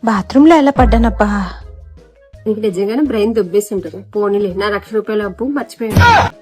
Bathroom లో ఎలా పడ్డానబ్బా? నీకు నిజంగానే బ్రెయిన్ దుబ్బేసి ఉంటుంది. పోనీలే, నా ₹1,00,000 అప్పు మర్చిపోయాను.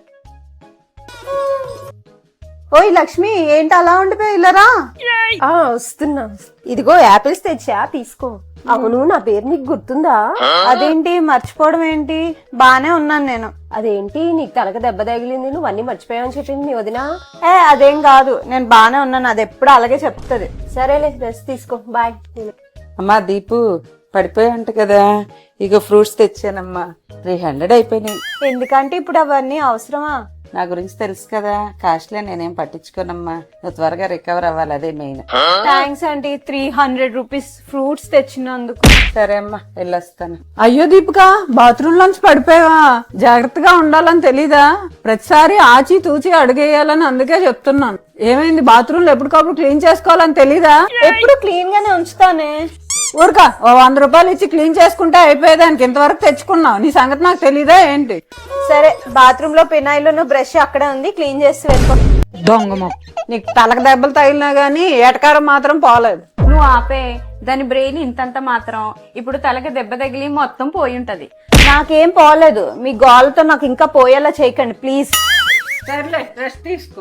ఓయ్ లక్ష్మి, ఏంటి అలా ఉండిపోయి ఇల్లరా? వస్తున్నా. ఇదిగో యాపిల్స్ తెచ్చా, తీసుకో. అవును, నా పేరు నీకు గుర్తుందా? అదేంటి మర్చిపోవడం ఏంటి? బానే ఉన్నాను నేను. అదేంటి నీకు తలక దెబ్బ తగిలింది, నువ్వు అన్ని మర్చిపోయావని చెప్పింది మీ వదిన. అదేం కాదు, నేను బానే ఉన్నాను. అది ఎప్పుడు అలాగే చెప్తుంది. సరేలే, రెస్ట్ తీసుకో, బాయ్. అమ్మా దీపు, పడిపోయాయంట కదా, ఇక ఫ్రూట్స్ తెచ్చానమ్మా. 300 అయిపోయినాయి. ఎందుకంటే ఇప్పుడు అవన్నీ అవసరమా? నా గురించి తెలుసు కదా, కాస్ట్లే, నేనేం పట్టించుకోనమ్మా. నువ్వు త్వరగా రికవర్ అవ్వాలి, అదే main. Thanks aunty, 300 rupees fruits తెచ్చినందుకు. సరే అమ్మా, వెళ్ళొస్తాను. అయ్యో దీపిక, బాత్రూమ్ లోంచి పడిపోయావా? జాగ్రత్తగా ఉండాలని తెలీదా? ప్రతిసారి ఆచి తూచి అడుగేయాలని అందుకే చెప్తున్నాను. ఏమైంది, బాత్రూమ్ లో ఎప్పటికప్పుడు క్లీన్ చేసుకోవాలని తెలీదా? ఎప్పుడు క్లీన్ గానే ఉంచుతానే. ఊరుక, ఓ 100 రూపాయలు ఇచ్చి క్లీన్ చేసుకుంటే అయిపోయేదానికి ఇంతవరకు తెచ్చుకున్నావు. నీ సంగతి నాకు తెలీదా ఏంటి? సరే, బాత్రూమ్ లో పెనాయిల్ బ్రష్ అక్కడే ఉంది, క్లీన్ చేసి వెళ్ళిపో. దొంగమో, నీకు తలకు దెబ్బలు తగిలినా గానీ ఏటకారం మాత్రం పోలేదు. నువ్వు ఆపే, దాని బ్రెయిన్ ఇంతంత మాత్రం. ఇప్పుడు తలకి దెబ్బ తగిలి మొత్తం పోయి ఉంటది. నాకేం పోలేదు, మీ గోలతో నాకు ఇంకా పోయేలా చేయకండి ప్లీజ్. సర్లే, రెస్ట్ తీసుకో.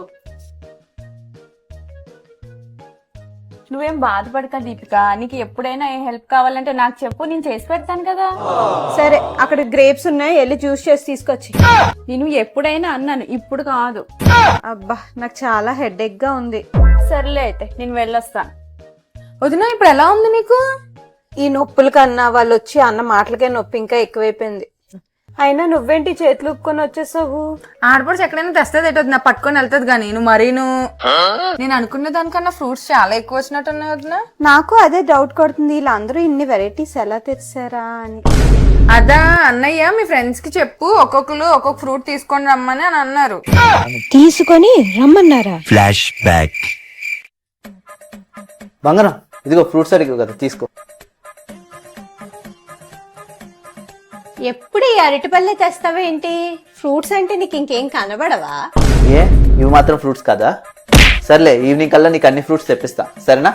నువ్వేం బాధపడతా దీపిక, నీకు ఎప్పుడైనా ఏ హెల్ప్ కావాలంటే నాకు చెప్పు, నేను చేసి పెడతాను కదా. సరే, అక్కడ గ్రేప్స్ ఉన్నాయి, వెళ్ళి జ్యూస్ చేసి తీసుకొచ్చి. నేను ఎప్పుడైనా అన్నాను, ఇప్పుడు కాదు. అబ్బా, నాకు చాలా హెడేక్ గా ఉంది. సర్లే అయితే, నేను వెళ్ళొస్తాను. వదినా, ఇప్పుడు ఎలా ఉంది నీకు? ఈ నొప్పుల కన్నా వాళ్ళు వచ్చి అన్న మాటలకే నొప్పి ఇంకా ఎక్కువైపోయింది. అయినా నువ్వేంటి చేతులు ఉప్పుకొని వచ్చేసావు? ఆడపడుచు ఎక్కడైనా తెస్తుంది ఎటు నా పట్టుకొని వెళ్తుంది గానీ నువ్వు మరీను. నేను అనుకున్న దానికన్నా ఫ్రూట్స్ చాలా ఎక్కువ వచ్చినట్టున్నాయి వదినా. నాకు అదే డౌట్ కొడుతుంది, వీళ్ళందరూ ఇన్ని వెరైటీస్ ఎలా తెచ్చారా అని. అదా అన్నయ్య, మీ ఫ్రెండ్స్ కి చెప్పు, ఒక్కొక్కరు ఒక్కొక్క ఫ్రూట్ తీసుకొని రమ్మని అని అన్నారు. తీసుకొని రమ్మన్నారా? Flash back. బంగారం, ఇదిగో ఫ్రూట్స్ అడిగావు కదా, తీసుకో. ఎప్పుడు ఈ అరటిపల్లె తెస్తావేంటి? ఫ్రూట్స్ అంటే నీకు ఇంకేం కనబడవా? ఏ, ఇవి మాత్రం ఫ్రూట్స్ కాదా? సర్లే, ఈవినింగ్ కల్లా నీకు అన్ని ఫ్రూట్స్ తెప్పిస్తా, సరేనా?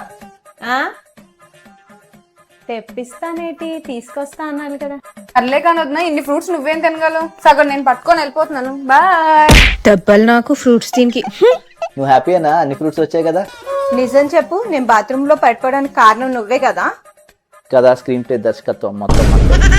తెప్పిస్తానేటి, తీసుకొస్తా అన్నాను కదా. సర్లే కానీ వదినా, ఇన్ని ఫ్రూట్స్ నువ్వేం తినగలవు? సగం నేను పట్టుకొని వెళ్ళిపోతున్నాను, బాయ్. డబ్బలు నాకు ఫ్రూట్స్ దీనికి. నువ్వు హ్యాపీయేనా? అన్ని ఫ్రూట్స్ వచ్చాయి కదా. నిజం చెప్పు, నేను బాత్రూమ్ లో పడిపోవడానికి కారణం నువ్వే కదా. కదా, స్క్రీన్ ప్లే దర్శకత్వం మొత్తం